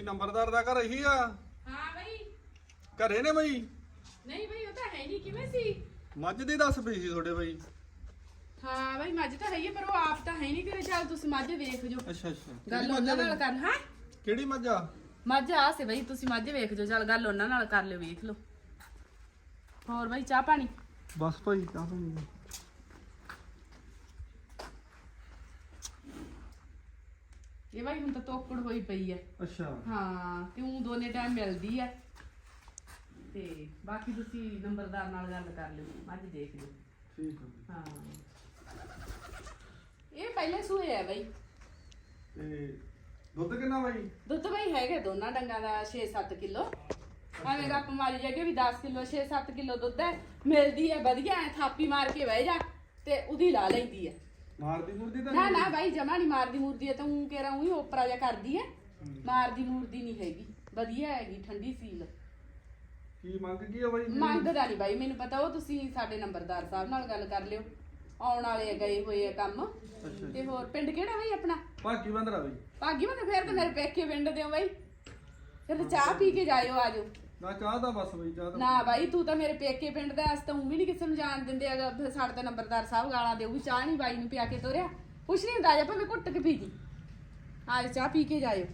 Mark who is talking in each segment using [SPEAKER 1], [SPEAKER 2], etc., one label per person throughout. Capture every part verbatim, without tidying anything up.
[SPEAKER 1] ਨੰਬਰਦਾਰ ਦਾ ਘਰ ਇਹੀ ਆ?
[SPEAKER 2] ਹਾਂ ਬਈ।
[SPEAKER 1] ਘਰੇ ਨੇ ਬਈ?
[SPEAKER 2] ਨਹੀਂ ਬਈ ਉਹ ਤਾਂ ਹੈ ਨਹੀਂ, ਕਿਵੇਂ ਸੀ?
[SPEAKER 1] ਮੱਝ ਦੀ ਦੱਸ ਪਈ ਸੀ ਤੁਹਾਡੇ ਬਈ।
[SPEAKER 2] ਹਾਂ ਬਈ ਮੱਝ ਤਾਂ ਹੈ ਹੀ ਆ, ਪਰ ਉਹ ਆਪ ਤਾਂ ਹੈ ਨਹੀਂ ਘਰੇ। ਚੱਲ ਤੁਸੀਂ ਮੱਝ ਵੇਖ ਜੋ।
[SPEAKER 1] ਅੱਛਾ ਅੱਛਾ।
[SPEAKER 2] ਗੱਲ ਉਹਨਾਂ ਨਾਲ ਕਰ। ਹਾਂ
[SPEAKER 1] ਕਿਹੜੀ ਮੱਝ ਆ?
[SPEAKER 2] ਮੱਝ ਆ ਸੇ ਬਈ, ਤੁਸੀਂ ਮੱਝ ਵੇਖ ਜੋ। ਚੱਲ ਗੱਲ ਉਹਨਾਂ ਨਾਲ ਕਰ ਲਿਓ, ਵੇਖ ਲਓ। ਹੋਰ ਬਈ ਚਾਹ ਪਾਣੀ?
[SPEAKER 1] ਬਸ ਭਾਈ ਚਾਹ ਪਾਣੀ।
[SPEAKER 2] ਇਹ ਬਈ ਹੁਣ ਤਾਂ ਤੋਕੜ ਹੋਈ ਪਈ ਐ।
[SPEAKER 1] ਅੱਛਾ
[SPEAKER 2] ਹਾਂ ਤੇ ਉਹ ਦੋਨੇ ਟਾਈਮ ਮਿਲਦੀ ਐ, ਤੇ ਬਾਕੀ ਤੁਸੀਂ ਨੰਬਰਦਾਰ ਨਾਲ ਗੱਲ ਕਰ ਲਿਓ, ਮੱਝ ਦੇਖ ਲਿਓ।
[SPEAKER 1] ਠੀਕ ਹੈ।
[SPEAKER 2] ਹਾਂ ਇਹ ਪਹਿਲੇ ਸੂਏ ਆ ਬਈ।
[SPEAKER 1] ਤੇ ਦੁੱਧ ਕਿੰਨਾ ਬਾਈ?
[SPEAKER 2] ਦੁੱਧ ਬਈ ਹੈਗੇ ਦੋਨਾਂ ਡੰਗਾਂ ਦਾ ਛੇ ਸੱਤ ਕਿਲੋ। ਐਵੇਂ ਗੱਪ ਮਾਰੀ ਜਾਗੇ ਵੀ ਦਸ ਕਿਲੋ ਛੇ ਸੱਤ ਕਿਲੋ ਦੁੱਧ ਹੈ, ਮਿਲਦੀ ਹੈ ਵਧੀਆ। ਐ ਥਾਪੀ ਮਾਰ ਕੇ ਬਹਿ ਜਾ ਤੇ ਉਹਦੀ ਲਾ ਲੈਂਦੀ ਹੈ।
[SPEAKER 1] ਮਾਰਦੀ ਮੁਰਦੀ ਤਾਂ
[SPEAKER 2] ਨਾ ਨਾ ਬਾਈ ਜਮਾ ਨਹੀਂ ਮਾਰਦੀ ਮੂਰਦੀ ਹੈ, ਤਾਂ ਉਹ ਕਹਿ ਰਹਾ ਹੂੰ ਓਪਰਾ ਜਿਹਾ ਕਰਦੀ ਹੈ। ਮਾਰਦੀ ਮੂਰਦੀ ਨਹੀਂ ਹੈਗੀ, ਵਧੀਆ ਹੈਗੀ, ਠੰਡੀ ਸੀਲ।
[SPEAKER 1] ਕੀ ਮੰਗ ਕੀ ਆ ਬਾਈ?
[SPEAKER 2] ਮੰਗਦਾ ਨਹੀਂ ਬਾਈ, ਮੈਨੂੰ ਪਤਾ। ਉਹ ਤੁਸੀਂ ਸਾਡੇ ਨੰਬਰਦਾਰ ਸਾਹਿਬ ਨਾਲ ਗੱਲ ਕਰ ਲਿਓ, ਆਉਣ ਵਾਲੇ ਗਏ ਹੋਏ ਆ ਕੰਮ। ਤੇ ਹੋਰ ਪਿੰਡ ਕਿਹੜਾ ਬਈ ਆਪਣਾ?
[SPEAKER 1] ਭਾਗੀ ਬੰਦਰਾ ਬਈ।
[SPEAKER 2] ਭਾਗੀ ਬੰਦ। ਫਿਰ ਤਾਂ ਮੇਰੇ ਪੇਕੇ ਪਿੰਡ ਦੇ ਹੋ ਬਾਈ, ਫਿਰ ਤਾਂ ਚਾਹ ਪੀ ਕੇ ਜਾਇਓ, ਆਜੋ।
[SPEAKER 1] ਨਾ ਚਾਹ ਦਾ ਬਸ ਬਈ, ਚਾਹ ਦਾ
[SPEAKER 2] ਨਾ ਬਾਈ ਤੂੰ ਤਾਂ ਮੇਰੇ ਪੇਕੇ ਪਿੰਡ ਦਾ, ਅਸ ਤਾਂ ਉਹ ਵੀ ਨਹੀਂ ਕਿਸੇ ਨੂੰ ਜਾਣ ਦਿੰਦੇ। ਅਗਰ ਫਿਰ ਸਾਡੇ ਤਾਂ ਨੰਬਰਦਾਰ ਸਾਹਿਬ ਗਾਲਾਂ ਦੇਊ ਵੀ ਚਾਹ ਨਹੀਂ ਬਾਈ ਨੂੰ ਪਿਆ ਕੇ ਤੋਰਿਆ। ਕੁਛ ਨਹੀਂ ਹੁੰਦਾ, ਜਾ ਭਾਵੇਂ ਘੁੱਟ ਕੇ ਪੀ ਜੀ। ਆਜ ਚਾਹ ਪੀ ਕੇ ਜਾਇਓ।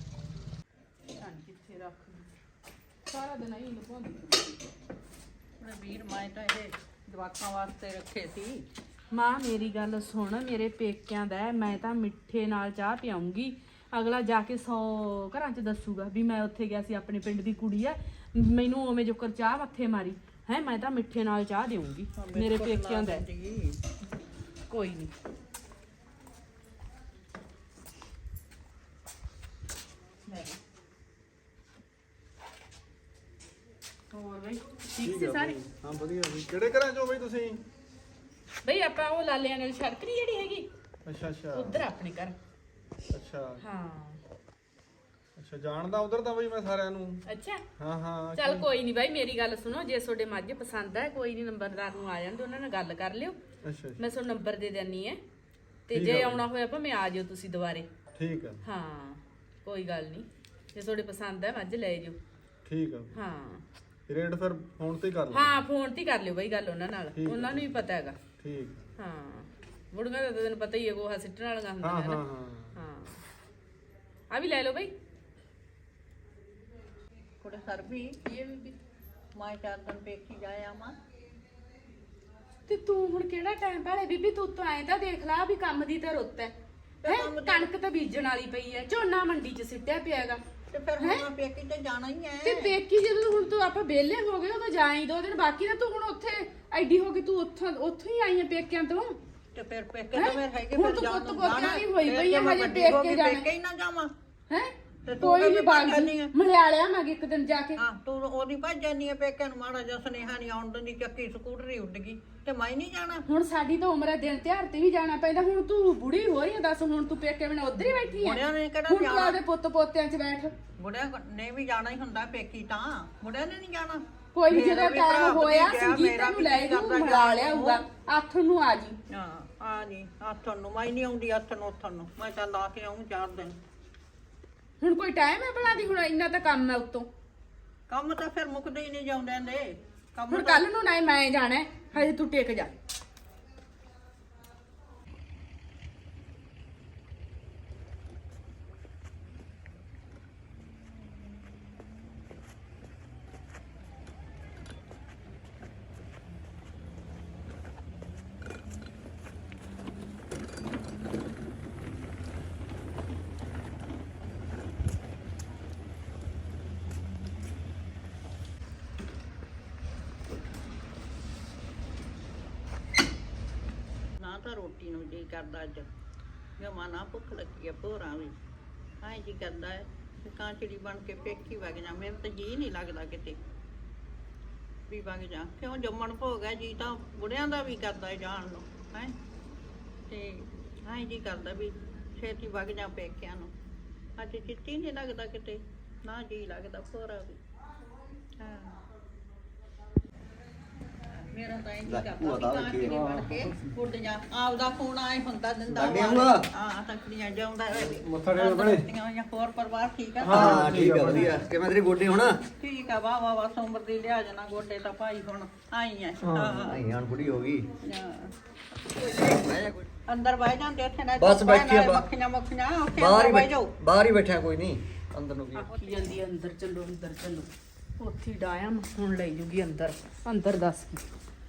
[SPEAKER 2] ਕਿੱਥੇ ਰੱਖ ਸਾਰਾ ਦਿਨ ਹੀ ਲਪਾਉਂਦੀ
[SPEAKER 3] ਆਪਣੇ ਵੀਰ ਮੈਂ ਤਾਂ ਇਹ ਜਵਾਕਾਂ ਵਾਸਤੇ ਰੱਖੇ ਸੀ।
[SPEAKER 2] ਮਾਂ ਮੇਰੀ ਗੱਲ ਸੁਣ, ਮੇਰੇ ਪੇਕਿਆਂ ਦਾ ਮੈਂ ਤਾਂ ਮਿੱਠੇ ਨਾਲ ਚਾਹ ਪਿਆਉਂਗੀ। ਅਗਲਾ ਜਾ ਕੇ ਸੌ ਘਰਾਂ 'ਚ ਦੱਸੂਗਾ ਵੀ ਮੈਂ ਉੱਥੇ ਗਿਆ ਸੀ, ਆਪਣੇ ਪਿੰਡ ਦੀ ਕੁੜੀ ਐ, ਮੈਨੂੰ ਉਵੇਂ ਜੋਕਰ ਚਾਹ ਮੱਥੇ ਮਾਰੀ ਹੈ। ਮੈਂ ਤਾਂ ਮਿੱਠੇ ਨਾਲ ਚਾਹ ਦੇਵਾਂਗੀ ਮੇਰੇ ਪੇਕਿਆਂ ਦਾ। ਕੋਈ ਨਹੀਂ। ਹੋਰ ਬਈ ਠੀਕ ਸੀ ਸਾਰੇ?
[SPEAKER 1] ਹਾਂ ਵਧੀਆ ਬਈ। ਕਿਹੜੇ ਘਰਾਂ ਚੋਂ ਬਈ ਤੁਸੀਂ?
[SPEAKER 2] ਬਈ ਆਪਾਂ ਉਹ ਲਾਲਿਆਂ ਨਾਲ ਸੜਕ ਨੀ ਜਿਹੜੀ ਹੈਗੀ,
[SPEAKER 1] ਅੱਛਾ ਅੱਛਾ।
[SPEAKER 2] ਉਧਰ ਆਪਣੇ ਘਰ।
[SPEAKER 1] ਅੱਛਾ
[SPEAKER 2] ਹਾਂ
[SPEAKER 1] ਅੱਛਾ। ਜਾਣਦਾ ਉਧਰ ਤਾਂ ਬਈ ਮੈਂ ਸਾਰਿਆਂ ਨੂੰ।
[SPEAKER 2] ਅੱਛਾ
[SPEAKER 1] ਹਾਂ ਹਾਂ।
[SPEAKER 2] ਚੱਲ ਕੋਈ ਨਹੀਂ ਬਾਈ, ਮੇਰੀ ਗੱਲ ਸੁਣੋ। ਜੇ ਤੁਹਾਡੇ ਮੱਝ ਪਸੰਦ ਹੈ, ਕੋਈ ਨਹੀਂ, ਨੰਬਰਦਾਰ ਨੂੰ ਆ ਜਾਂਦੇ, ਉਹਨਾਂ ਨਾਲ ਗੱਲ ਕਰ ਲਿਓ।
[SPEAKER 1] ਅੱਛਾ
[SPEAKER 2] ਮੈਂ ਤੁਹਾਨੂੰ ਨੰਬਰ ਦੇ ਦਿੰਨੀ ਹੈ, ਤੇ ਜੇ ਆਉਣਾ ਹੋਇਆ ਭਾਵੇਂ ਆ ਜਿਓ ਤੁਸੀਂ ਦੁਬਾਰੇ।
[SPEAKER 1] ਠੀਕ ਆ।
[SPEAKER 2] ਹਾਂ ਕੋਈ ਗੱਲ ਨਹੀਂ, ਜੇ ਤੁਹਾਡੇ ਪਸੰਦ ਹੈ ਮੱਝ ਲੈ ਜਿਓ।
[SPEAKER 1] ਠੀਕ ਆ।
[SPEAKER 2] ਹਾਂ
[SPEAKER 1] ਰੇਟ ਫਿਰ ਫੋਨ ਤੇ ਕਰ ਲਓ।
[SPEAKER 2] ਹਾਂ ਫੋਨ ਤੇ ਕਰ ਲਿਓ ਬਾਈ ਗੱਲ ਉਹਨਾਂ ਨਾਲ, ਉਹਨਾਂ ਨੂੰ ਵੀ ਪਤਾ ਹੈਗਾ।
[SPEAKER 1] ਠੀਕ।
[SPEAKER 2] ਹਾਂ ਮੁੜਗਾ ਤਾਂ ਤੈਨੂੰ ਪਤਾ ਹੀ ਹੈ, ਗੋਹਾ ਸਿੱਟਣ ਵਾਲਾ ਹੁੰਦਾ
[SPEAKER 1] ਹਾਂ
[SPEAKER 2] ਹੈ
[SPEAKER 1] ਹਾਂ
[SPEAKER 2] ਨਾ।
[SPEAKER 1] ਹਾਂ
[SPEAKER 2] ਹਾਂ ਆ ਵੀ ਲੈ ਲਓ ਬਾਈ।
[SPEAKER 3] ਕੁੜੇ ਸਰ ਵੀ ਇਹ ਵੀ ਮੈਂ ਚਾਰ ਦਿਨ ਪੇਖੀ ਜਾਇਆ ਮਾਂ।
[SPEAKER 2] ਤੇ ਤੂੰ ਹੁਣ ਕਿਹੜਾ ਟਾਈਮ ਭਾਲੇ ਬੀਬੀ, ਤੂੰ ਤਾਂ ਐਂ ਤਾਂ ਦੇਖ ਲਾ ਵੀ ਕੰਮ ਦੀ ਤਾਂ ਰੁੱਤ ਹੈ। ਹੈਂ, ਕਣਕ ਤਾਂ ਬੀਜਣ ਵਾਲੀ ਪਈ ਹੈ, ਝੋਨਾ ਮੰਡੀ 'ਚ ਸਿੱਟਿਆ ਪਿਆ ਹੈਗਾ।
[SPEAKER 3] ਤੇ ਫਿਰ ਹੁਣ ਪੇਕੀ ਤੇ ਜਾਣਾ ਹੀ ਹੈ।
[SPEAKER 2] ਤੇ ਪੇਕੀ ਜਦੋਂ ਹੁਣ ਤੂੰ ਆਪਾਂ ਵਿਹਲੇ ਹੋ ਗਏ ਉਦੋਂ ਜਾਈ ਦੋ ਦਿਨ ਬਾਕੀ, ਨਾ ਤੂੰ ਹੁਣ ਉੱਥੇ ਐਡੀ ਹੋ ਗਈ, ਤੂੰ ਉੱਥੋਂ ਉੱਥੋਂ ਹੀ ਆਈ ਹੈ ਪੇਕਿਆਂ ਤੋਂ।
[SPEAKER 3] ਤੇ ਫਿਰ ਪੇਕੇ ਤਾਂ ਫਿਰ ਹੈਗੇ,
[SPEAKER 2] ਹੁਣ
[SPEAKER 3] ਫਿਰ
[SPEAKER 2] ਤੂੰ
[SPEAKER 3] ਜਾਣ
[SPEAKER 2] ਪੁੱਤ
[SPEAKER 3] ਨੂੰ
[SPEAKER 2] ਪੋਤਿਆਂ
[SPEAKER 3] ਜਾਣਾ
[SPEAKER 2] ਦੀ ਹੋਈ ਪਈ ਹੈ,
[SPEAKER 3] ਫਿਰ
[SPEAKER 2] ਹਜੇ
[SPEAKER 3] ਵੱਡੀ ਹੋ
[SPEAKER 2] ਪੇਕੇ
[SPEAKER 3] ਗਈ,
[SPEAKER 2] ਜਾਣਾ।
[SPEAKER 3] ਪੇਕੇ ਹੀ ਨਾ ਜਾਵਾਂ।
[SPEAKER 2] ਹੈ
[SPEAKER 3] ਤੇ ਤੂੰ
[SPEAKER 2] ਕੋਈ ਨਹੀਂ
[SPEAKER 3] ਕਦੇ
[SPEAKER 2] ਬਾਗ
[SPEAKER 3] ਜਾਂਦੀ ਹੈ?
[SPEAKER 2] ਮਲਿਆਲਿਆ ਮੈਂ ਇੱਕ ਦਿਨ ਜਾ ਕੇ।
[SPEAKER 3] ਹਾਂ ਤੂੰ ਉਹਦੀ ਭੱਜ ਜਾਨੀ ਹੈ ਪੇਕੇ ਨੂੰ, ਮਾੜਾ ਜਿਹਾ ਸੁਨੇਹਾ ਨਹੀਂ ਆਉਣ ਦਿੰਦੀ, ਚੱਕੀ ਸਕੂਟਰੀ ਉੱਡ ਗਈ ਤੇ ਮੈਂ ਨਹੀਂ ਜਾਣਾ।
[SPEAKER 2] ਹੁਣ ਸਾਡੀ ਤਾਂ ਉਮਰ ਹੈ, ਦਿਨ ਤਿਉਹਾਰ ਤੇ ਵੀ ਜਾਣਾ ਪੈਂਦਾ। ਹੁਣ ਤੂੰ ਬੁੜੀ ਹੋ ਰਹੀ ਹੈ, ਦੱਸ ਹੁਣ ਤੂੰ ਪੇਕੇ ਬਿਨਾਂ ਉੱਧਰ ਹੀ ਬੈਠੀ ਹੈ।
[SPEAKER 3] ਮੁੰਡਿਆਂ ਨੇ ਕਿਹੜਾ
[SPEAKER 2] ਹੁਣ ਤੂੰ
[SPEAKER 3] ਜਾਣਾ?
[SPEAKER 2] ਆਪਦੇ ਪੁੱਤ ਪੋਤਿਆਂ 'ਚ ਬੈਠ।
[SPEAKER 3] ਮੁੰਡਿਆਂ ਨੇ ਵੀ ਜਾਣਾ ਹੀ ਹੁੰਦਾ ਪੇਕੀ, ਤਾਂ ਮੁੰਡਿਆਂ ਨੇ ਨਹੀਂ ਜਾਣਾ।
[SPEAKER 2] ਕੋਈ ਨੀ,
[SPEAKER 3] ਮੇਰਾ
[SPEAKER 2] ਜਦੋਂ
[SPEAKER 3] ਵੀ ਭਰਾ
[SPEAKER 2] ਟਾਈਮ ਹੋਇਆ
[SPEAKER 3] ਭਤੀਜਾ,
[SPEAKER 2] ਸੰਗੀਤ
[SPEAKER 3] ਮੇਰਾ
[SPEAKER 2] ਨੂੰ ਲੈ
[SPEAKER 3] ਵੀ
[SPEAKER 2] ਜੂ,
[SPEAKER 3] ਕਰਦਾ
[SPEAKER 2] ਮਿਲਾ ਲਿਆਊਗਾ। ਅੱਠ ਨੂੰ ਆ ਜੀ।
[SPEAKER 3] ਹਾਂ ਆ ਨਹੀਂ ਆਥਣ ਨੂੰ, ਮੈਂ ਨਹੀਂ ਆਉਂਦੀ ਆਥਣ ਨੂੰ ਉੱਥਣ ਨੂੰ, ਮੈਂ ਤਾਂ ਲਾ ਕੇ ਆਉਂ ਚਾਰ ਦਿਨ।
[SPEAKER 2] ਹੁਣ ਕੋਈ ਟਾਈਮ ਹੈ ਭਲਾ ਦੀ? ਹੁਣ ਇੰਨਾ ਤਾਂ ਕੰਮ ਹੈ ਉੱਤੋਂ।
[SPEAKER 3] ਕੰਮ ਤਾਂ ਫਿਰ ਮੁੱਕਦੇ ਹੀ ਨਹੀਂ ਜਾਂਦੇ ਨੇ ਕੰਮ
[SPEAKER 2] ਹੁਣ
[SPEAKER 3] ਤਾਂ।
[SPEAKER 2] ਕੱਲ ਨੂੰ ਨਾ ਮੈਂ ਜਾਣਾ ਹੈ, ਹਜੇ ਤੂੰ ਟਿਕ ਜਾ।
[SPEAKER 3] ਨਾ ਤਾਂ ਰੋਟੀ ਨੂੰ ਜੀ ਕਰਦਾ, ਅੱਜ ਜਮਾ ਨਾ ਭੁੱਖ ਲੱਗੀ ਆ ਭੋਰਾ ਵੀ। ਐਂ ਜੀ ਕਰਦਾ ਹੈ ਕਿ ਕਾਂਚੜੀ ਬਣ ਕੇ ਪੇਕੀ ਵਗ ਜਾ। ਮੇਰੇ ਤਾਂ ਜੀ ਨਹੀਂ ਲੱਗਦਾ ਕਿਤੇ ਵੀ ਵਗ ਜਾ, ਕਿਉਂ ਜੰਮਣ ਭੋਗ ਹੈ ਜੀ, ਤਾਂ ਬੁੜਿਆਂ ਦਾ ਵੀ ਕਰਦਾ ਹੈ ਜਾਣ ਨੂੰ ਹੈ। ਤੇ ਐਂ ਜੀ ਕਰਦਾ ਵੀ ਛੇਤੀ ਵਗ ਜਾ ਪੇਕਿਆਂ ਨੂੰ। ਅੱਜ ਚਿੱਤੀ ਨਹੀਂ ਲੱਗਦਾ ਕਿਤੇ, ਨਾ ਜੀ ਲੱਗਦਾ ਭੋਰਾ ਵੀ। ਹਾਂ ਮੇਰਾ ਤਾਂ ਇੰਜ
[SPEAKER 4] ਲੈ,
[SPEAKER 3] ਕਰਦਾ
[SPEAKER 4] ਭੂਆ ਦਾ
[SPEAKER 3] ਵੀ ਕਾਂ
[SPEAKER 4] ਵੇਖੀ।
[SPEAKER 3] ਚਿੜੀ ਬਣ ਕੇ ਉੱਡ ਜਾ ਆਪਦਾ ਫੋਨ ਆਏ ਹੁੰਦਾ ਦਿੰਦਾ
[SPEAKER 4] ਲੱਗੇ
[SPEAKER 3] ਵਾ।
[SPEAKER 4] ਭੂਆ।
[SPEAKER 3] ਹਾਂ ਤੱਕੜੀਆਂ ਜਾਉਂਦਾ
[SPEAKER 1] ਮੱਥਾ ਟੇਕ ਬਣੇ।
[SPEAKER 3] ਹੋਰ ਪਰਿਵਾਰ ਠੀਕ ਆ
[SPEAKER 4] ਹਾਂ ਠੀਕ ਆ ਵਧੀਆ ਕਿਵੇਂ ਤੇਰੇ ਗੋਡੇ ਹੁਣ
[SPEAKER 3] ਠੀਕ ਆ ਵਾਹ ਵਾਹ ਵਾਹ ਉਮਰ ਦੀ ਲਿਆ ਜਾਣਾ ਗੋਡੇ ਤਾਂ ਭਾਈ ਹੁਣ ਆਈ ਆ ਹਾਂ
[SPEAKER 4] ਨਹੀਂ ਹੁਣ ਬੁੜੀ ਹੋ ਗਈ
[SPEAKER 3] ਅੰਦਰ ਬਹਿ ਜਾਂਦੇ ਉੱਥੇ ਨਾ
[SPEAKER 4] ਬਸ ਬੈਠੀ ਆ ਬਾ-
[SPEAKER 3] ਮੱਖੀਆਂ ਮੱਖੀਆਂ ਉੱਥੇ
[SPEAKER 4] ਬਾਹਰ ਹੀ
[SPEAKER 3] ਅੰਦਰ ਬਹਿ
[SPEAKER 4] ਬੈਠ-
[SPEAKER 3] ਜਾਓ
[SPEAKER 4] ਬਾਹਰ ਹੀ ਬੈਠਿਆ ਕੋਈ ਨਹੀਂ ਅੰਦਰ ਨੂੰ ਕੀ
[SPEAKER 2] ਆਖੀ ਜਾਂਦੀ ਆ, ਅੰਦਰ ਚੱਲੋ ਅੰਦਰ ਚੱਲੋ ਉੱਥੇ ਹੀ ਡਾਇਆ ਮੈਂ ਹੁਣ ਲੈ ਜੂਗੀ ਅੰਦਰ ਅੰਦਰ ਦੱਸ ਕੀ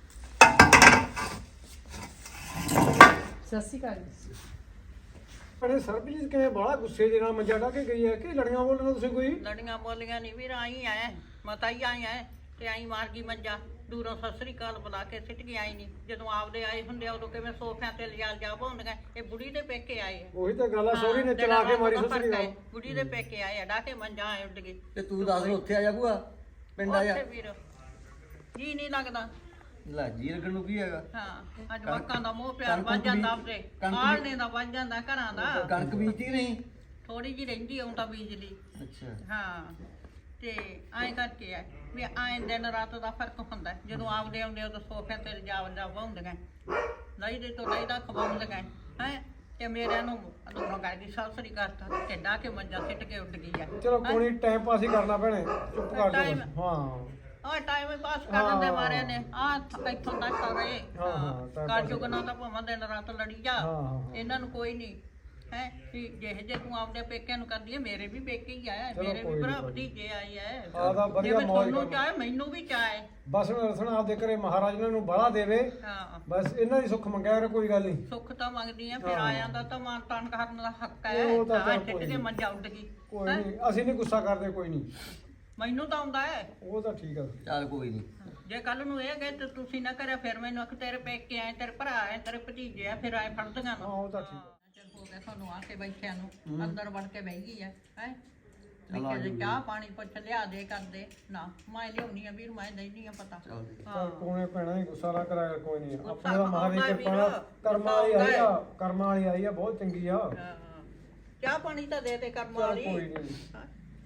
[SPEAKER 2] ਸਤਿ ਸ਼੍ਰੀ ਅਕਾਲ ਜੀ।
[SPEAKER 1] ਭੈਣੇ ਸਰਬਜੀਤ ਕਿਵੇਂ ਬਾਹਲਾ ਗੁੱਸੇ ਦੇ ਨਾਲ ਮੰਜਾ ਢਾ ਕੇ ਗਈ ਹੈ ਕਿ ਲੜੀਆਂ ਬੋਲਣਾ ਤੁਸੀਂ ਕੋਈ
[SPEAKER 3] ਲੜੀਆਂ ਬੋਲੀਆਂ ਨਹੀਂ ਵੀਰ ਆਈ ਐ ਮਤਾ ਹੀ ਆਈ ਐ ਤੇ ਆਈ ਮਾਰ ਗਈ ਮੰਜਾ ਦੂਰੋਂ ਸਤਿ ਸ੍ਰੀ ਅਕਾਲ ਬੁਲਾ ਕੇ ਸਿੱਟ ਕੇ ਆਈ ਨਹੀਂ ਜਦੋਂ ਆਪਦੇ ਆਏ ਹੁੰਦੇ ਆ ਉਦੋਂ ਕਿਵੇਂ ਸੋਫਿਆਂ ਤੇ ਲਿਜਾ ਜਾ ਪਾਉਂਦੀਆਂ ਇਹ ਬੁੜੀ ਦੇ ਪੇਕੇ ਆਏ ਆ
[SPEAKER 1] ਉਹੀ ਤਾਂ ਗੱਲ ਆ ਸੋਰੀ ਨੇ ਚਲਾ ਕੇ ਮਾਰੀ ਸਸਰੀ
[SPEAKER 3] ਹੈ, ਬੁੜੀ ਦੇ ਪੇਕੇ ਆਏ ਆ ਡਾ ਕੇ ਮੰਜਾ ਆਏ ਉੱਡ ਗਈ
[SPEAKER 4] ਤੇ ਤੂੰ ਦੱਸ ਉੱਥੇ ਆ ਜਾ ਭੂਆ ਪਿੰਡ ਆ ਜਾ
[SPEAKER 3] ਉੱਥੇ ਵੀਰ ਜੀ ਨਹੀਂ ਲੱਗਦਾ
[SPEAKER 4] ਲੈ ਜੀ ਲੱਗਣ ਨੂੰ ਕੀ ਹੈਗਾ
[SPEAKER 3] ਹਾਂ ਅੱਜ ਮੱਕਾਂ ਦਾ ਮੋਹ ਪਿਆਰ
[SPEAKER 4] ਕਣਕ
[SPEAKER 3] ਵੱਜ ਜਾਂਦਾ
[SPEAKER 4] ਬੀਜ-
[SPEAKER 3] ਆਪਦੇ
[SPEAKER 4] ਕਣਕ
[SPEAKER 3] ਆੜਨੇ ਦਾ ਵੱਜ ਜਾਂਦਾ ਘਰਾਂ ਦਾ
[SPEAKER 4] ਕਣਕ ਬੀਜਦੀ ਨਹੀਂ
[SPEAKER 3] ਥੋੜੀ ਜਿਹੀ ਰਹਿੰਦੀ ਆਉਂਦਾ ਬਿਜਲੀ
[SPEAKER 4] ਅੱਛਾ
[SPEAKER 3] ਹਾਂ ਤੇ ਐਂ ਕਰਕੇ ਆ ਵੀ ਐਂ ਦਿਨ ਰਾਤ ਦਾ ਫਰਕ ਹੁੰਦਾ ਹੈ। ਜਦੋਂ ਆਪਦੇ ਆਉਂਦੇ ਉਦੋਂ ਸੋਫਿਆਂ ਤੇ ਜਾ ਜਾ ਪਾਉਂਦੀਆਂ ਲਈ ਦੇ ਤੋਂ ਲਈ ਦਾ ਖਵਾਉਂਦੀਆਂ ਹੈ ਤੇ ਮੇਰਿਆਂ ਨੂੰ ਅਦੋਨੋਂ ਕਰਦੀ ਸਾਸਰੀ ਕਰਤਾ ਤੇ ਢਾ ਕੇ ਮੰਜਾ ਸਿੱਟ ਕੇ ਉੱਡ ਗਈ ਆ
[SPEAKER 1] ਚਲੋ ਕੋਈ ਟਾਈਮ ਪਾਸ ਹੀ ਕਰਨਾ ਭੈਣੇ ਚੁੱਪ ਕਰ ਜਾ
[SPEAKER 3] Time-
[SPEAKER 1] ਹਾਂ
[SPEAKER 3] ਆ ਟਾਈਮ ਪਾਸ ਕਰਨ ਦੇ ਮਾਰੇ ਨੇ ਆ ਇੱਥੋਂ ਤੱਕ ਤਾਂ ਰਹੇ
[SPEAKER 1] ਹਾਂ, ਹਾਂ, time
[SPEAKER 3] ਕਰ
[SPEAKER 1] pass
[SPEAKER 3] ਚੁਗਣਾ ਤਾਂ ਭਾਵੇਂ ਦਿਨ ਰਾਤ ਲੜੀ ਜਾ
[SPEAKER 1] ਹਾਂ, ਹਾਂ।
[SPEAKER 3] ਇਹਨਾਂ ਨੂੰ ਕੋਈ ਨਹੀਂ ਹੈ ਜਿਹੇ ਜੇ ਤੂੰ ਆਪਦੇ ਪੇਕਿਆਂ ਨੂੰ ਕਰਦੀ ਹੈ ਮੇਰੇ ਵੀ ਪੇਕੇ ਹੀ ਆਇਆ
[SPEAKER 1] ਚਲੋ
[SPEAKER 3] ਮੇਰੇ
[SPEAKER 1] ਕੋਈ
[SPEAKER 3] ਵੀ
[SPEAKER 1] ਨੀ,
[SPEAKER 3] ਭਰਾ
[SPEAKER 1] ਕੋਈ ਨੀ।
[SPEAKER 3] ਭਤੀਜੇ ਆਏ ਐ
[SPEAKER 1] ਆ ਤਾਂ ਵਧੀਆ
[SPEAKER 3] ਜਿਵੇਂ
[SPEAKER 1] ਮੌਜ
[SPEAKER 3] ਤੁਹਾਨੂੰ
[SPEAKER 1] ਕਰਨੀ।
[SPEAKER 3] ਚਾਹੇ ਮੈਨੂੰ ਵੀ ਚਾਹੇ
[SPEAKER 1] ਬਸ ਰਸਣਾ ਆਪਦੇ ਘਰੇ ਮਹਾਰਾਜ ਇਹਨਾਂ ਨੂੰ ਬੜਾ ਦੇਵੇ
[SPEAKER 3] ਹਾਂ
[SPEAKER 1] ਬਸ ਇਹਨਾਂ ਦੀ ਸੁੱਖ ਮੰਗਿਆ ਕਰ ਕੋਈ ਗੱਲ ਨਹੀਂ
[SPEAKER 3] ਸੁੱਖ ਤਾਂ ਮੰਗਦੀ ਆ ਫਿਰ
[SPEAKER 1] ਹਾਂ।
[SPEAKER 3] ਆਇਆਂ ਦਾ ਤਾਂ ਮਾਨ ਤਾਨ ਕਰਨ ਦਾ ਹੱਕ ਹੈ
[SPEAKER 1] ਉਹ ਤਾਂ
[SPEAKER 3] ਹਾਂ
[SPEAKER 1] ਚੱਲ
[SPEAKER 3] ਛੱਡ
[SPEAKER 1] ਕੋਈ
[SPEAKER 3] ਕੇ
[SPEAKER 1] ਨੀ।
[SPEAKER 3] ਮੰਜਾ ਉੱਡ ਗਈ
[SPEAKER 1] ਕੋਈ
[SPEAKER 3] ਹੈਂ?
[SPEAKER 1] ਨਹੀਂ ਅਸੀਂ ਨਹੀਂ ਗੁੱਸਾ ਕਰਦੇ ਕੋਈ ਨਹੀਂ
[SPEAKER 3] ਮੈਨੂੰ ਤਾਂ ਆਉਂਦਾ ਹੈ
[SPEAKER 1] ਉਹ ਤਾਂ ਠੀਕ ਆ
[SPEAKER 4] ਚੱਲ ਕੋਈ ਨਹੀਂ
[SPEAKER 3] ਜੇ ਕੱਲ ਨੂੰ ਇਹ ਗਏ ਤੇ ਤੁਸੀਂ ਨਾ ਕਰਿਆ ਫਿਰ ਮੈਨੂੰ ਆਖ ਤੇਰੇ ਪੇਕੇ ਆਏ ਤੇਰੇ ਭਰਾ ਆਏ ਤੇਰੇ ਭਤੀਜੇ ਆ ਫਿਰ ਆਏ ਫੜਦੀਆਂ
[SPEAKER 1] ਹਾਂ
[SPEAKER 3] ਨੂੰ
[SPEAKER 1] ਉਹ ਤਾਂ ਠੀਕ ਆ
[SPEAKER 3] ਚੱਲ ਹੋ ਗਿਆ ਤੁਹਾਨੂੰ ਆ ਕੇ ਬੈਠਿਆਂ ਨੂੰ ਅੰਦਰ ਵੜ ਕੇ ਬਹਿ ਗਈ ਆ ਹੈ
[SPEAKER 4] ਚਲੋ ਆ
[SPEAKER 3] ਨਿੱਕੇ
[SPEAKER 4] ਜਾਊਗੀ।
[SPEAKER 3] ਚਾਹ ਪਾਣੀ ਪੁੱਛ ਲਿਆ ਦੇ ਕਰਦੇ ਨਾ ਮੈਂ ਲਿਆਉਣੀ ਆ ਵੀਰ ਮੈਂ ਦੇਣੀ ਆ ਪਤਾ
[SPEAKER 4] ਚੱਲ
[SPEAKER 1] ਚੱਲ ਕੋਨੇ ਪੈਣਾ ਹੀ ਗੁੱਸਾ ਨਾ ਕਰਾਇਆ ਕਰ, ਕੋਈ ਨਹੀਂ
[SPEAKER 3] ਗੁੱਸਾ
[SPEAKER 1] ਆਪਣੇ ਦਾ ਮਹਾਰਾਜ
[SPEAKER 3] ਆਉਂਦਾ
[SPEAKER 1] ਕਿਰਪਾ
[SPEAKER 3] ਵੀਰ,
[SPEAKER 1] ਨਾਲ ਕਰਮਾਂ ਵਾਲੀ
[SPEAKER 3] ਗੁੱਸਾ
[SPEAKER 1] ਆਈ ਆ
[SPEAKER 3] ਆਉਂਦਾ
[SPEAKER 1] ਕਰਮਾਂ ਵਾਲੀ ਆਈ ਆ ਬਹੁਤ ਚੰਗੀ ਆ
[SPEAKER 3] ਹਾਂ। ਚਾਹ ਪਾਣੀ ਤਾਂ ਦੇ ਤੇ ਕਰਮ
[SPEAKER 1] ਚੱਲ
[SPEAKER 3] ਵਾਲੀ
[SPEAKER 1] ਕੋਈ ਨਹੀਂ
[SPEAKER 3] ਹਾਂ।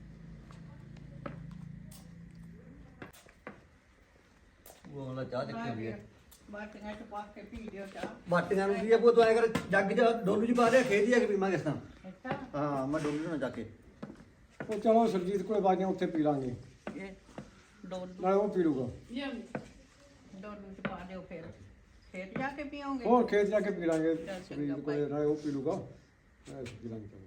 [SPEAKER 4] ਉਹ ਵਾਲਾ ਚਾਹ ਚੱਕੀ ਵੀ ਹੈ
[SPEAKER 3] ਬਾਟੀਆਂ ਚ ਪਾ ਕੇ ਪੀ ਲਿਓ ਚਾਹ
[SPEAKER 4] ਬਾਟੀਆਂ ਨੂੰ ਕੀ ਆ ਭੂਆ ਤੂੰ ਐ ਕਰ ਜੱਗ ਚ ਡੋਲੂ ਚ ਪਾ ਦੇ ਖੇਤ ਜਾ ਕੇ ਪੀਵਾਂਗੇ ਇਸ ਤਾਂ
[SPEAKER 3] ਅੱਛਾ
[SPEAKER 4] ਹਾਂ ਮੈਂ ਡੋਲੂ ਨਾਲ ਜਾ ਕੇ
[SPEAKER 1] ਉਹ ਚਲੋ ਸਰਜੀਤ ਕੋਲੇ ਬਾਜੀਆਂ ਉੱਥੇ ਪੀ ਲਾਂਗੇ
[SPEAKER 3] ਇਹ ਡੋਲੂ
[SPEAKER 1] ਨਾਲੇ ਉਹ ਪੀ ਲੂਗਾ
[SPEAKER 3] ਡੋਲੂ ਚ ਪਾ ਦਿਓ ਫਿਰ ਖੇਤ ਜਾ ਕੇ ਪੀਓਗੇ
[SPEAKER 1] ਹੋਰ ਖੇਤ ਜਾ ਕੇ ਪੀ ਲਾਂਗੇ
[SPEAKER 3] ਚੱਲ ਚੰਗਾ
[SPEAKER 1] ਸਰਜੀਤ ਕੋਲੇ ਨਾਲੇ ਉਹ ਪੀ ਲੂਗਾ ਨਾਲੇ ਅਸੀਂ ਪੀ ਲਾਂਗੇ ਚਲੋ।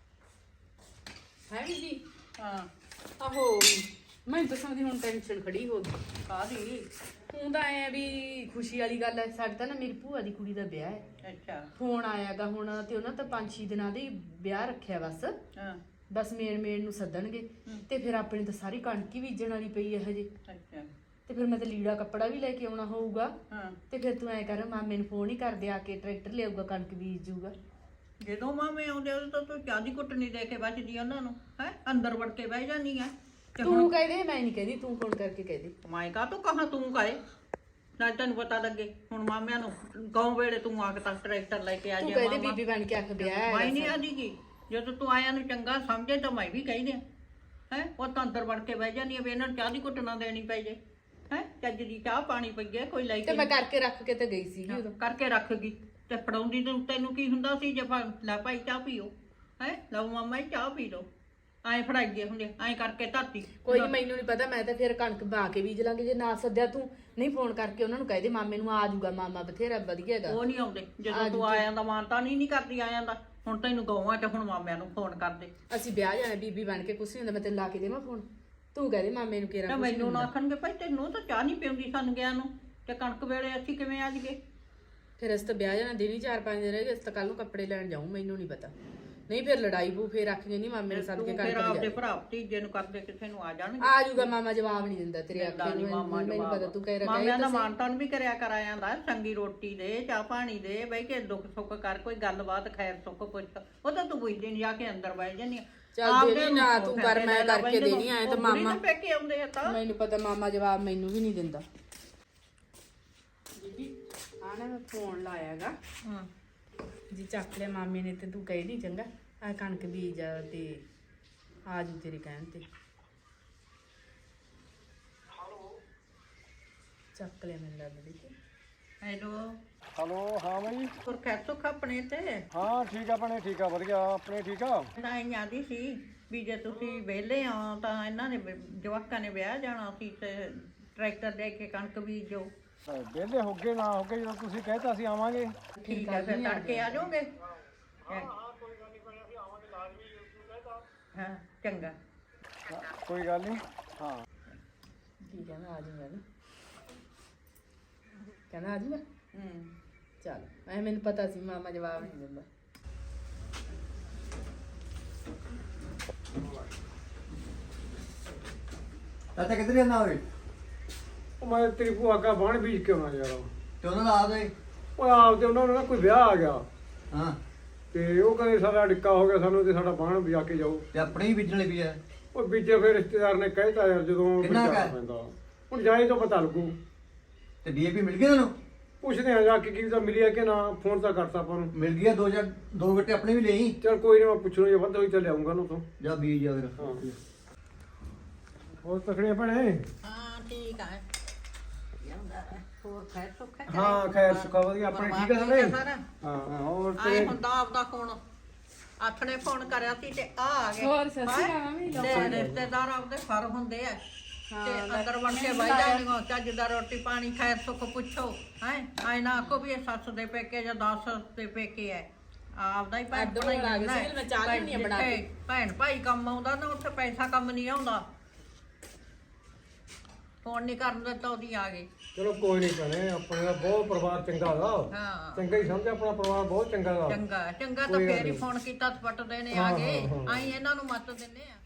[SPEAKER 2] ਹੈ ਜੀ
[SPEAKER 3] ਹਾਂ
[SPEAKER 2] ਆਹੋ ਮੈਂ ਤਾਂ ਸਮਝਦੀ ਹੁਣ ਟੈਨਸ਼ਨ ਖੜੀ ਹੋ ਗਈ
[SPEAKER 3] ਕਾਹਦੀ
[SPEAKER 2] ਹੁਣ ਤਾਂ ਐ ਵੀ ਖੁਸ਼ੀ ਵਾਲੀ ਗੱਲ ਹੈ ਸਾਡੇ ਤਾਂ ਨਾ ਮੇਰੀ ਭੂਆ ਦੀ ਕੁੜੀ ਦਾ ਵਿਆਹ ਹੈ
[SPEAKER 3] ਅੱਛਾ
[SPEAKER 2] ਫੋਨ ਆਇਆਗਾ ਹੁਣ ਤੇ ਉਹਨਾਂ ਤਾਂ ਪੰਜ ਛੇ ਦਿਨਾਂ ਦੇ ਹੀ ਵਿਆਹ ਰੱਖਿਆ ਬਸ
[SPEAKER 3] ਹਾਂ
[SPEAKER 2] ਬਸ ਮੇਨ ਮੇਨ ਨੂੰ ਸੱਦਣਗੇ ਤੇ ਫਿਰ ਆਪਣੀ ਤਾਂ ਸਾਰੀ ਕਣਕ ਹੀ ਬੀਜਣ ਵਾਲੀ ਪਈ ਹੈ ਹਜੇ
[SPEAKER 3] ਅੱਛਾ
[SPEAKER 2] ਤੇ ਫਿਰ ਮੈਂ ਤਾਂ ਲੀੜਾ ਕੱਪੜਾ ਵੀ ਲੈ ਕੇ ਆਉਣਾ ਹੋਊਗਾ
[SPEAKER 3] ਹਾਂ
[SPEAKER 2] ਤੇ ਫਿਰ ਤੂੰ ਐ ਕਰ ਮਾਮੇ ਨੂੰ ਫੋਨ ਹੀ ਕਰਦੇ ਆ ਕੇ ਟਰੈਕਟਰ ਲਿਆਊਗਾ ਕਣਕ ਬੀਜ ਜੂਗਾ
[SPEAKER 3] ਜਦੋਂ ਮਾਮੇ ਆਉਂਦੇ ਉਦੋਂ ਤਾਂ ਤੂੰ ਚਾਹ ਦੀ ਘੁੱਟ ਨਹੀਂ ਦੇ ਕੇ ਬਚਦੀ ਉਹਨਾਂ ਨੂੰ ਹੈ ਅੰਦਰ ਵੜ ਕੇ ਬਹਿ ਜਾਂਦੀ ਹੈ ਤੇ ਹੁਣ
[SPEAKER 2] ਤੂੰ ਕਹਿ ਦੇ ਮੈਂ ਨਹੀਂ ਕਹਿੰਦੀ ਤੂੰ ਫੋਨ ਕਰਕੇ ਕਹਿ ਦੇ
[SPEAKER 3] ਮੈਂ ਕਾ ਤੂੰ ਕਹਾ ਤੂੰ ਕਹੇ ਨਾ ਤੈਨੂੰ ਪਤਾ ਲੱਗੇ ਹੁਣ ਮਾਮਿਆਂ ਨੂੰ ਗਾਉਂ ਵੇਲੇ ਤੂੰ ਆ ਕੇ ਤਾਂ ਟਰੈਕਟਰ ਲੈ ਕੇ ਆ
[SPEAKER 2] ਤੂੰ
[SPEAKER 3] ਜਾ
[SPEAKER 2] ਕਹਿ ਦੇ ਬੀਬੀ ਬਣ ਕੇ ਆਖ ਵਿਆਹ ਹੈ
[SPEAKER 3] ਮੈਂ ਨਹੀਂ ਆਦੀਗੀ ਜਦੋਂ ਤੂੰ ਆਇਆ ਨੂੰ ਚੰਗਾ ਸਮਝੇ ਤਾਂ ਮੈਂ ਵੀ ਕਹਿੰਦੇ ਹੈ ਉਹ ਤਾਂ ਅੰਦਰ ਵੜ ਕੇ ਬਹਿ ਜਾਂਦੀ ਆ ਵੀ ਇਹਨਾਂ ਨੂੰ ਚਾਹ ਦੀ ਘੁੱਟ ਨਾ ਦੇਣੀ ਪਈ ਜੇ ਹੈ ਚੱਜ ਦੀ ਚਾਹ ਪਾਣੀ ਪਈਏ ਕੋਈ ਲੈ
[SPEAKER 2] ਤੇ
[SPEAKER 3] ਕੇ
[SPEAKER 2] ਮੈਂ ਕਰਕੇ ਰੱਖ ਕੇ ਤੇ ਗਈ ਸੀਗੀ ਉਦੋਂ
[SPEAKER 3] ਕਰਕੇ ਰੱਖ ਗਈ ਤੇ ਫੜਾਉਂਦੀ ਤੈਨੂੰ ਤੈਨੂੰ ਕੀ ਹੁੰਦਾ ਸੀ ਜੇ ਫੜ- ਲੈ ਭਾਈ ਚਾਹ ਪੀਓ ਹੈ ਲਓ ਮਾਮਾ ਜੀ ਚਾਹ ਪੀ ਲਓ ਐਂ ਫੜਾਈਏ ਹੁੰਦੇ ਐਂ ਕਰਕੇ ਧਰਤੀ
[SPEAKER 2] ਕੋਈ ਨਹੀਂ ਮੈਨੂੰ ਨਹੀਂ ਪਤਾ ਮੈਂ ਤਾਂ ਫਿਰ ਕਣਕ ਬਾ ਕੇ ਬੀਜ ਲਾਂਗੇ ਜੇ ਨਾ ਸੱਦਿਆ ਤੂੰ ਨਹੀਂ ਫੋਨ ਕਰਕੇ ਉਹਨਾਂ ਨੂੰ ਕਹਿ ਦੇ ਮਾਮੇ ਨੂੰ ਆ ਜਾਊਗਾ ਮਾਮਾ ਬਥੇਰਾ ਵਧੀਆ ਹੈਗਾ
[SPEAKER 3] ਉਹ ਨਹੀਂ ਆਉਂਦੇ ਜਦੋਂ ਤੂੰ ਆਇਆਂ ਦਾ ਮਾਨਤਾ ਨਹੀਂ ਨਹੀਂ ਕਰਦੀ ਆਇਆਂ ਦਾ ਹੁਣ ਤੈਨੂੰ ਗਊਆਂ ਤੇ ਹੁਣ ਮਾਮਿਆਂ ਨੂੰ ਫੋਨ ਕਰਦੇ
[SPEAKER 2] ਅਸੀਂ ਵਿਆਹ ਜਾਣਾ ਬੀਬੀ ਬਣ ਕੇ ਕੁਛ ਨਹੀਂ ਹੁੰਦਾ ਮੈਂ ਤੈਨੂੰ ਲਾ ਕੇ ਦੇਵਾਂ ਫੋਨ ਤੂੰ ਕਹਿ ਦੇ ਮਾਮੇ ਨੂੰ
[SPEAKER 3] ਤੇ
[SPEAKER 2] ਕਿਹੜਾ
[SPEAKER 3] ਮੈਨੂੰ ਨਾ ਆਖਣਗੇ ਭਾਈ ਤੈਨੂੰ ਤਾਂ ਚਾਹ ਨਹੀਂ ਪਿਉਂਦੀ ਸਾਨੂੰ ਗਿਆ ਨੂੰ ਤੇ ਕਣਕ ਵੇਲੇ ਅਸੀਂ ਕਿਵੇਂ ਆ ਜੀਏ
[SPEAKER 2] ਫਿਰ ਅਸੀਂ ਤਾਂ ਵਿਆਹ ਜਾਣਾ ਦਿਨ ਹੀ ਚਾਰ ਪੰਜ ਦਿਨ ਰਹਿ ਗਏ ਅਸੀਂ ਤਾਂ ਕੱਲ ਨੂੰ ਕੱਪੜੇ ਲੈਣ ਜਾਊਂ ਮੈਨੂੰ ਨਹੀਂ ਪਤਾ ਨਹੀਂ ਫਿਰ ਲੜਾਈ ਪੂ ਫਿਰ ਆਖੀਆਂ ਨਹੀਂ ਮਾਮੇ ਨੇ ਸੱਦ ਕੇ
[SPEAKER 3] ਤੂੰ
[SPEAKER 2] ਕਣਕ
[SPEAKER 3] ਫਿਰ ਆਪਦੇ
[SPEAKER 2] ਬੀਜ
[SPEAKER 3] ਭਰਾ ਭਤੀਜੇ ਨੂੰ ਕਰਦੇ ਕਿਸੇ ਨੂੰ ਆ ਜਾਣਗੇ
[SPEAKER 2] ਆ ਜਾਊਗਾ ਮਾਮਾ ਜਵਾਬ ਨਹੀਂ ਦਿੰਦਾ ਤੇਰੇ
[SPEAKER 3] ਦਿੰਦਾ
[SPEAKER 2] ਆਖੇ
[SPEAKER 3] ਨੀ
[SPEAKER 2] ਨੂੰ
[SPEAKER 3] ਮਾਮਾ
[SPEAKER 2] ਮੈਨੂੰ
[SPEAKER 3] ਜਵਾਬ।
[SPEAKER 2] ਪਤਾ ਤੂੰ ਕਹਿ ਰਿਹਾ
[SPEAKER 3] ਮਾਮਿਆਂ ਦਾ ਮਾਨਤਾਨ ਵੀ ਕਰਿਆ ਕਰ ਆਇਆਂ ਦਾ ਚੰਗੀ ਰੋਟੀ ਦੇ ਚਾਹ ਪਾਣੀ ਦੇ ਬਈ ਕਿ ਦੁੱਖ ਸੁੱਖ ਕਰ ਕੋਈ ਗੱਲਬਾਤ ਖੈਰ ਸੁੱਖ ਪੁੱਛ ਉਹ ਤਾਂ ਤੂੰ ਪੁੱਛਦੀ ਨਹੀਂ ਜਾ ਕੇ ਅੰਦਰ ਬਹਿ ਜਾਂਦੀ ਆ
[SPEAKER 2] ਚੱਲ
[SPEAKER 3] ਆਪਦੇ
[SPEAKER 2] ਦੇਣੀ
[SPEAKER 3] ਨੂੰ
[SPEAKER 2] ਨਾ
[SPEAKER 3] ਫੋਨ
[SPEAKER 2] ਤੂੰ ਕਰ, ਮੈਂ
[SPEAKER 3] ਲੈ ਲਾ
[SPEAKER 2] ਕਰਕੇ
[SPEAKER 3] ਬਈ
[SPEAKER 2] ਦੇਣੀ, ਐਂ ਤਾਂ
[SPEAKER 3] ਉਹ ਬੁੜੀ
[SPEAKER 2] ਮਾਮਾ-
[SPEAKER 3] ਦੇ ਪੇਕੇ ਆਉਂਦੇ ਆ ਤਾਂ
[SPEAKER 2] ਮੈਨੂੰ ਪਤਾ ਮਾਮਾ ਜਵਾਬ ਮੈਨੂੰ ਵੀ ਨਹੀਂ ਦਿੰਦਾ ਬੀਬੀ ਆ ਨਾ ਮੈਂ ਫੋਨ ਲਾਇਆਗਾ
[SPEAKER 3] ਹਾਂ
[SPEAKER 2] ਜੀ ਚੱਕ ਲਿਆ ਮਾਮੇ ਨੇ ਤੇ ਤੂੰ ਕਹਿ ਦੀ ਚੰਗਾ ਆ ਕਣਕ ਬੀਜ ਆ ਤੇ ਆ ਜੂ ਤੇਰੇ ਕਹਿਣ ਤੇ ਚੱਕ ਲਿਆ ਮੈਨੂੰ ਲੱਗਦਾ ਦੇਖੀ
[SPEAKER 3] ਹੈਲੋ
[SPEAKER 1] ਹਲੋ ਹਾਂ ਬਈ
[SPEAKER 3] ਹੋਰ ਖੈਸੋ ਆਪਣੇ ਤੇ
[SPEAKER 1] ਹਾਂ ਠੀਕ ਆ ਭੈਣੇ ਠੀਕ ਆ ਵਧੀਆ ਆਪਣੇ ਠੀਕ ਆ
[SPEAKER 3] ਤਾਂ ਇਹ ਆਦੀ ਸੀ ਵੀ ਜੇ ਤੁਸੀਂ ਵਿਹਲੇ ਆ ਤਾਂ ਇਹਨਾਂ ਨੇ ਵਿ- ਜਵਾਕਾਂ ਨੇ ਵਿਆਹ ਜਾਣਾ ਸੀ ਤੇ ਟਰੈਕਟਰ ਲੈ ਕੇ ਕਣਕ ਬੀਜੋ।
[SPEAKER 1] ਵਿਹਲੇ ਹੋ ਗਏ ਨਾ ਹੋ ਗਏ ਜਦੋਂ ਤੁਸੀਂ ਕਹਿਤਾ ਅਸੀਂ ਆਵਾਂਗੇ
[SPEAKER 3] ਠੀਕ ਹੈ ਫਿਰ ਤੜਕੇ ਆ ਜਾਓਗੇ ਹਾਂ ਚੰਗਾ
[SPEAKER 1] ਕੋਈ ਗੱਲ ਨਹੀਂ ਹਾਂ
[SPEAKER 2] ਠੀਕ ਹੈ ਮੈਂ ਆ ਜਾਊਂਗਾ ਨਾ ਕਹਿੰਦਾ ਆ ਜਾਊਂਗਾ
[SPEAKER 3] ਹੂੰ
[SPEAKER 2] ਚੱਲ ਐ ਮੈਨੂੰ ਪਤਾ ਸੀ ਮਾਮਾ ਜਵਾਬ ਨਹੀਂ ਦਿੰਦਾ।
[SPEAKER 4] ਚਾਚਾ ਕਿੱਧਰ ਜਾਂਦਾ ਓਏ
[SPEAKER 1] ਉਹ ਮੈਂ ਤੇਰੀ ਭੂਆ ਕਾ ਬਾਣ ਬੀਜ ਕੇ ਆਉਣਾ ਯਾਰ
[SPEAKER 4] ਤੇ ਉਹਨਾਂ ਦਾ ਆ ਦੇ
[SPEAKER 1] ਉਹ ਆਪ ਤੇ ਉਹਨਾਂ ਨੂੰ ਨਾ ਕੋਈ ਵਿਆਹ ਆ ਗਿਆ
[SPEAKER 4] ਹਾਂ
[SPEAKER 1] ਤੇ ਉਹ ਕਹਿੰਦੇ ਸਾਡਾ ਡਿੱਕਾ ਹੋ ਗਿਆ ਸਾਨੂੰ ਤੇ ਸਾਡਾ ਬਾਣ ਬਜਾ ਕੇ ਜਾਓ
[SPEAKER 4] ਤੇ ਆਪਣੇ ਹੀ ਬੀਜਣ ਲਈ ਵੀ ਆ
[SPEAKER 1] ਉਹ ਬੀਜੇ ਫਿਰ ਰਿਸ਼ਤੇਦਾਰ ਨੇ ਕਹਿਤਾ ਯਾਰ ਜਦੋਂ
[SPEAKER 4] ਕਿੰਨਾ ਕੁ
[SPEAKER 1] ਬੀਜਣਾ
[SPEAKER 4] ਹੈ?
[SPEAKER 1] ਪੈਂਦਾ ਹੁਣ ਜਾਏ ਤਾਂ ਪਤਾ ਲੱਗੂ
[SPEAKER 4] ਤੇ ਡੀਏਪੀ ਮਿਲ ਗਈ ਤੁਹਾਨੂੰ
[SPEAKER 1] ਪੁੱਛਦੇ ਆ ਜਾ ਕੇ ਕੀ ਤਾਂ ਮਿਲਿਆ ਕਿ ਨਾ ਫੋਨ ਤਾਂ ਕਰਤਾ ਆਪਾਂ ਨੂੰ
[SPEAKER 4] ਮਿਲ ਗਿਆ ਦੋ ਜਾਂ ਦੋ ਗੱਟੇ ਆਪਣੇ ਵੀ ਲਈ
[SPEAKER 1] ਚਲ ਕੋਈ ਨਹੀਂ ਮੈਂ ਪੁੱਛਣਾ ਜੇ ਵੱਧ ਹੋਈ ਤਾਂ ਲਿਆਉਂਗਾ ਨਾ ਤੋਂ
[SPEAKER 4] ਜਾਂ ਬੀਜ ਜਾ ਫਿਰ
[SPEAKER 1] ਹਾਂ ਹੋਰ ਤਕੜੀਆਂ ਭੈਣੇ
[SPEAKER 3] ਹਾਂ ਠੀਕ ਹੈ ਹੋਰ ਖੈਰ ਸੁੱਖ ਹੈ
[SPEAKER 1] ਹਾਂ ਖੈਰ ਸੁੱਖਾ ਵਧੀਆ ਆਪਣੇ ਠੀਕ ਆ ਸਾਰੇ
[SPEAKER 3] ਸਾਰਾ
[SPEAKER 1] ਹਾਂ ਹੋਰ
[SPEAKER 3] ਆਏ
[SPEAKER 1] ਤੇ
[SPEAKER 3] ਹੁੰਦਾ ਆਪਦਾ ਫੋਨ ਆਥਣੇ ਫੋਨ ਕਰਿਆ ਸੀ ਤੇ ਆ ਆ ਗਏ
[SPEAKER 2] ਹੋਰ ਸਤਿ ਸ਼੍ਰੀ ਅਕਾਲ
[SPEAKER 3] ਹੈਂ?
[SPEAKER 2] ਮੰਮੀ,
[SPEAKER 3] ਤੇ ਰਿਸ਼ਤੇਦਾਰ ਆਪਦੇ ਫਰ ਹੁੰਦੇ ਆ ਤੇ ਅੰਦਰ ਵੜ ਕੇ ਬਹਿ ਜਾਣਗੇ ਚੱਜ ਦਾ ਰੋਟੀ ਪਾਣੀ ਖੈਰ ਸੁੱਖ ਪੁੱਛੋ ਹੈ ਆਏ ਨਾ ਆਖੋ ਵੀ ਇਹ ਸੱਸ ਦੇ ਪੇਕੇ ਜਾਂ ਦਸ ਦੇ ਪੇਕੇ ਐ ਆਪਦਾ ਹੀ ਭੈਣ
[SPEAKER 2] ਅੱਡ
[SPEAKER 3] ਭਾਈ
[SPEAKER 2] ਹੋਣ ਆ ਗਏ
[SPEAKER 3] ਹੁੰਦਾ
[SPEAKER 2] ਸੀ, ਮੈਂ ਚਾਹ ਲਿਆਉਣੀ ਆ ਬਣਾ ਕੇ।
[SPEAKER 3] ਜਿੱਥੇ ਭੈਣ ਭਾਈ ਕੰਮ ਆਉਂਦਾ ਨਾ ਉੱਥੇ ਪੈਸਾ ਕੰਮ ਨਹੀਂ ਆਉਂਦਾ ਫੋਨ ਨਹੀਂ ਕਰਨ ਦਿੱਤਾ ਉਹਦੀ ਆ ਗਏ
[SPEAKER 1] ਚਲੋ ਕੋਈ ਨਹੀਂ ਭੈਣੇ ਆਪਣੇ ਦਾ ਬਹੁਤ ਪਰਿਵਾਰ ਚੰਗਾ ਦਾ
[SPEAKER 3] ਹਾਂ
[SPEAKER 1] ਚੰਗਾ ਹੀ ਸਮਝ ਆਪਣਾ ਪਰਿਵਾਰ ਬਹੁਤ ਚੰਗਾ ਦਾ
[SPEAKER 3] ਚੰਗਾ ਚੰਗਾ ਤਾਂ
[SPEAKER 1] ਕੋਈ ਗੱਲ
[SPEAKER 3] ਫੇਰ ਹੀ
[SPEAKER 1] ਨੀ।
[SPEAKER 3] ਫੋਨ ਕੀਤਾ ਤਾਂ ਪੱਟਦੇ ਨੇ
[SPEAKER 1] ਹਾਂ,
[SPEAKER 3] ਆ ਗਏ
[SPEAKER 1] ਹਾਂ, ਹਾਂ।
[SPEAKER 3] ਆਈ ਇਹਨਾਂ ਨੂੰ ਮੱਤ ਦਿੰਨੇ ਆ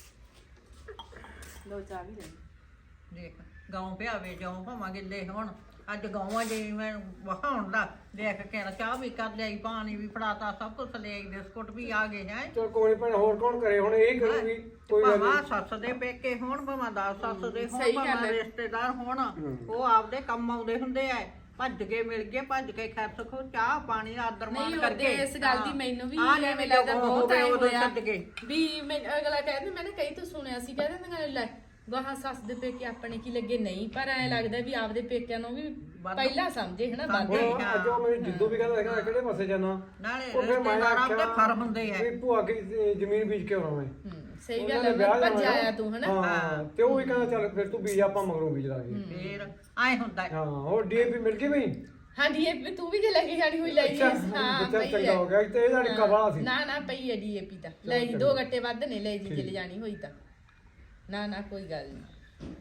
[SPEAKER 2] ਲੋ ਚਾਹ ਵੀ ਦੇ
[SPEAKER 3] ਦੇਖ ਗਾਉਂ ਪਿਆਵੇ ਜਾਉਂ ਭਾਵਾਂ ਗਿੱਲੇ ਹੁਣ ਅੱਜ ਗਾਵਾਂ ਜੇ ਮੈਂ ਵਹਾਉਣ ਦਾ ਦੇਖ ਕੇ ਨਾ ਚਾਹ ਵੀ ਕਰ ਲਿਆਈ ਪਾਣੀ ਵੀ ਫੜਾਤਾ ਸਭ ਕੁਝ ਲੈ ਆਈ ਬਿਸਕੁਟ ਵੀ ਆ ਗਏ ਹੈ
[SPEAKER 1] ਚਲ ਕੋਈ ਨਹੀਂ ਭੈਣ ਹੋਰ ਕੌਣ ਕਰੇ ਹੁਣ ਇਹ ਕਰੂਗੀ ਕੋਈ ਗੱਲ
[SPEAKER 3] ਭਾਵਾਂ
[SPEAKER 1] ਨਹੀਂ
[SPEAKER 3] ਸੱਸ ਦੇ ਪੇਕੇ ਹੋਣ ਭਾਵਾਂ ਦਾ ਸੱਸ ਦੇ ਹੋਣ
[SPEAKER 2] ਸਹੀ ਗੱਲ
[SPEAKER 3] ਭਾਵਾਂ
[SPEAKER 2] ਹੈ।
[SPEAKER 3] ਰਿਸ਼ਤੇਦਾਰ ਹੋਣ ਉਹ ਆਪਦੇ ਕੰਮ ਆਉਂਦੇ ਹੁੰਦੇ ਆ ਭੱਜ ਕੇ ਮਿਲ ਗਏ ਭੱਜ ਕੇ ਖੈਰ ਸੁਖੋ ਚਾਹ ਪਾਣੀ ਆਦਰ ਮਾਣ
[SPEAKER 2] ਨਹੀਂ
[SPEAKER 3] ਕਰਕੇ
[SPEAKER 2] ਉਹਦੇ ਇਸ ਗੱਲ ਦੀ ਮੈਨੂੰ ਵੀ
[SPEAKER 3] ਆ
[SPEAKER 2] ਐਵੇਂ ਲੱਗਦਾ ਬਹੁਤ
[SPEAKER 3] ਹੋਵੇ
[SPEAKER 2] ਟਾਈਮ
[SPEAKER 3] ਉਦੋਂ
[SPEAKER 2] ਹੋਇਆ
[SPEAKER 3] ਛੱਡ ਕੇ
[SPEAKER 2] ਵੀ ਮੈਂ ਅਗਲਾ ਕਹਿੰਦਾ ਮੈਂ ਨਾ ਕਈ ਤੋਂ ਸੁਣਿਆ ਸੀ ਕਹਿੰਦੇ ਨਾ ਲੈ ਗਾਹਾਂ ਸੱਸ ਦੇ ਪੇਕੇ ਆਪਣੇ ਕੀ ਲੱਗੇ ਨਹੀਂ ਪਰ ਐ ਲੱਗਦਾ ਵੀ ਆਪਦੇ ਪੇਕਿਆਂ ਨੂੰ ਵੀ ਪਹਿਲਾਂ ਸਮਝੇ ਹਨਾ
[SPEAKER 3] ਸਮਝੇ।
[SPEAKER 2] ਬਾਕੀ
[SPEAKER 1] ਹੁਣ ਅੱਜ ਉਹ ਮੈਨੂੰ ਜਿੱਦੋਂ ਵੀ ਕਹਿੰਦਾ ਹੈਗਾ ਕਿਹੜੇ ਪਾਸੇ ਜਾਣਾ
[SPEAKER 3] ਨਾਲੇ
[SPEAKER 1] ਉਹ ਫਿਰ ਮੈਂ
[SPEAKER 3] ਰਿਸ਼ਤੇਦਾਰ ਆਪਦੇ
[SPEAKER 1] ਆਖਿਆ
[SPEAKER 3] ਫਰ ਹੁੰਦੇ ਆ
[SPEAKER 1] ਵੀ ਭੂਆ ਕੀ ਜ਼ਮੀਨ ਬੀਜ ਕੇ ਆਉਣਾ ਮੈਂ
[SPEAKER 2] ਹੂੰ, ਸਹੀ
[SPEAKER 1] ਉਹਨਾਂ
[SPEAKER 2] ਗੱਲ
[SPEAKER 1] ਨੇ
[SPEAKER 2] ਹੈ
[SPEAKER 1] ਵਿਆਹ
[SPEAKER 2] ਮੈਂ
[SPEAKER 1] ਜਾਣਾ
[SPEAKER 2] ਭੱਜ
[SPEAKER 1] ਨਾ।
[SPEAKER 2] ਆਇਆ ਤੂੰ ਹਨਾ
[SPEAKER 1] ਹਾਂ ਤੇ ਉਹ ਵੀ ਕਹਿੰਦਾ ਚੱਲ ਫਿਰ ਤੂੰ ਬੀਜ ਆਪਾਂ ਮਗਰੋਂ ਬੀਜ ਲਾਂਗੇ
[SPEAKER 3] ਫੇਰ ਆਏ ਹੁੰਦਾ ਹੈ।
[SPEAKER 1] ਹਾਂ ਹੋਰ ਡੀਏਪੀ ਮਿਲ ਗਈ ਬਈ
[SPEAKER 2] ਹਾਂਜੀ ਇਹ ਤੂੰ ਵੀ ਜੇ ਲੈ ਕੇ ਜਾਣੀ ਹੋਈ ਲੈ ਜੀ
[SPEAKER 1] ਅੱਛਾ
[SPEAKER 2] ਹਾਂ
[SPEAKER 1] ਬੱਚਾ
[SPEAKER 2] ਪਈ
[SPEAKER 1] ਚੰਗਾ
[SPEAKER 2] ਹੈ
[SPEAKER 1] ਹੋ ਗਿਆ ਤੇ ਇਹਦਾ ਡਿੱਕਾ ਵਾਲਾ ਸੀ
[SPEAKER 2] ਨਾ ਨਾ ਪਈ ਹੈ ਡੀਏਪੀ ਤਾਂ ਲੈ ਜੀ ਦੋ ਗੱਟੇ ਵੱਧ ਨੇ ਲੈ ਜੀ ਜੇ ਜਾਣੀ ਹੋਈ ਤਾਂ ਨਾ ਨਾ ਕੋਈ ਗੱਲ ਨਹੀਂ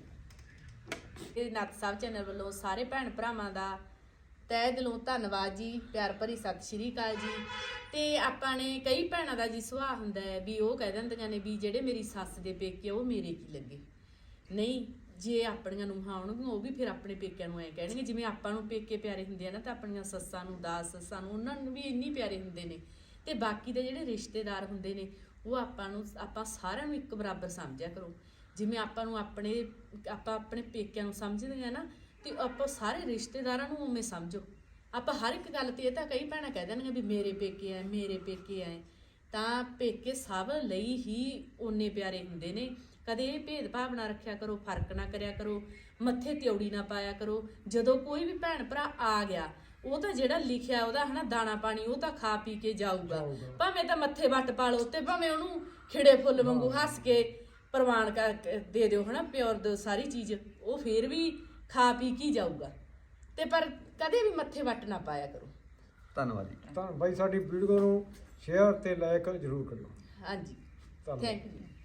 [SPEAKER 2] ਇਹ ਨੱਤ ਸਾਹਿਬ ਚੈਨਲ ਵੱਲੋਂ ਸਾਰੇ ਭੈਣ ਭਰਾਵਾਂ ਦਾ ਤਹਿ ਦਿਲੋਂ ਧੰਨਵਾਦ ਜੀ ਪਿਆਰ ਭਰੀ ਸਤਿ ਸ਼੍ਰੀ ਅਕਾਲ ਜੀ। ਤੇ ਆਪਾਂ ਨੇ ਕਈ ਭੈਣਾਂ ਦਾ ਜੀ ਸੁਭਾਅ ਹੁੰਦਾ ਹੈ ਵੀ ਉਹ ਕਹਿ ਦਿੰਦੀਆਂ ਨੇ ਵੀ ਜਿਹੜੇ ਮੇਰੀ ਸੱਸ ਦੇ ਪੇਕੇ ਉਹ ਮੇਰੇ ਕੀ ਲੱਗੇ ਨਹੀਂ ਜੇ ਆਪਣੀਆਂ ਨੂੰਹਾਂ ਆਉਣਗੀਆਂ ਉਹ ਵੀ ਫਿਰ ਆਪਣੇ ਪੇਕਿਆਂ ਨੂੰ ਐ ਕਹਿਣਗੇ ਜਿਵੇਂ ਆਪਾਂ ਨੂੰ ਪੇਕੇ ਪਿਆਰੇ ਹੁੰਦੇ ਆ ਨਾ ਤਾਂ ਆਪਣੀਆਂ ਸੱਸਾਂ ਨੂੰ ਦਾਸ ਸੱਸਾਂ ਨੂੰ ਉਹਨਾਂ ਨੂੰ ਵੀ ਇੰਨੀ ਪਿਆਰੇ ਹੁੰਦੇ ਨੇ ਤੇ ਬਾਕੀ ਦੇ ਜਿਹੜੇ ਰਿਸ਼ਤੇਦਾਰ ਹੁੰਦੇ ਨੇ ਉਹ ਆਪਾਂ ਨੂੰ ਆਪਾਂ ਸਾਰਿਆਂ ਨੂੰ ਇੱਕ ਬਰਾਬਰ ਸਮਝਿਆ ਕਰੋ ਜਿਵੇਂ ਆਪਾਂ ਨੂੰ ਆਪਣੇ ਆਪਾਂ ਆਪਣੇ ਪੇਕਿਆਂ ਨੂੰ ਸਮਝਦੇ ਆ ਨਾ ਤੇ ਆਪਾਂ ਸਾਰੇ ਰਿਸ਼ਤੇਦਾਰਾਂ ਨੂੰ ਉਵੇਂ ਸਮਝੋ ਆਪਾਂ ਹਰ ਇੱਕ ਗੱਲ ਤੇ ਇਹ ਤਾਂ ਕਈ ਭੈਣਾਂ ਕਹਿ ਦੇਣਗੀਆਂ ਵੀ ਮੇਰੇ ਪੇਕੇ ਆ ਮੇਰੇ ਪੇਕੇ ਆ ਤਾਂ ਪੇਕੇ ਸਭ ਲਈ ਹੀ ਓਨੇ ਪਿਆਰੇ ਹੁੰਦੇ ਨੇ ਕਦੇ ਇਹ ਭੇਦਭਾਵ ਨਾ ਰੱਖਿਆ ਕਰੋ ਫਰਕ ਨਾ ਕਰਿਆ ਕਰੋ ਮੱਥੇ ਤਿਉੜੀ ਨਾ ਪਾਇਆ ਕਰੋ ਜਦੋਂ ਕੋਈ ਵੀ ਭੈਣ ਭਰਾ ਆ ਗਿਆ ਉਹ ਤਾਂ ਜਿਹੜਾ ਲਿਖਿਆ ਉਹਦਾ ਹਨਾ ਦਾਣਾ ਪਾਣੀ ਉਹ ਤਾਂ ਖਾ ਪੀ ਕੇ ਜਾਊਗਾ ਭਾਵੇਂ ਤਾਂ ਮੱਥੇ ਵੱਟ ਪਾ ਲਓ ਤੇ ਭਾਵੇਂ ਉਹਨੂੰ ਖਿੜੇ ਫੁੱਲ ਵਾਂਗੂ ਹੱਸ ਕੇ ਪ੍ਰਵਾਨ ਕਰ ਦੇ ਦਿਓ ਹਨਾ ਪਿਓਰ ਦੋ ਸਾਰੀ ਚੀਜ਼ ਉਹ ਫੇਰ ਵੀ ਖਾ ਪੀ ਕੇ ਜਾਊਗਾ ਤੇ ਪਰ ਕਦੇ ਵੀ ਮੱਥੇ ਵੱਟ ਨਾ ਪਾਇਆ ਕਰੋ
[SPEAKER 4] ਧੰਨਵਾਦ ਜੀ
[SPEAKER 1] ਤਾਂ ਬਾਈ ਸਾਡੀ ਵੀਡੀਓ ਨੂੰ ਸ਼ੇਅਰ ਤੇ ਲਾਈਕ ਜ਼ਰੂਰ ਕਰਿਓ
[SPEAKER 2] ਹਾਂਜੀ
[SPEAKER 1] ਧੰਨਵਾਦ
[SPEAKER 2] ਥੈਂਕ ਯੂ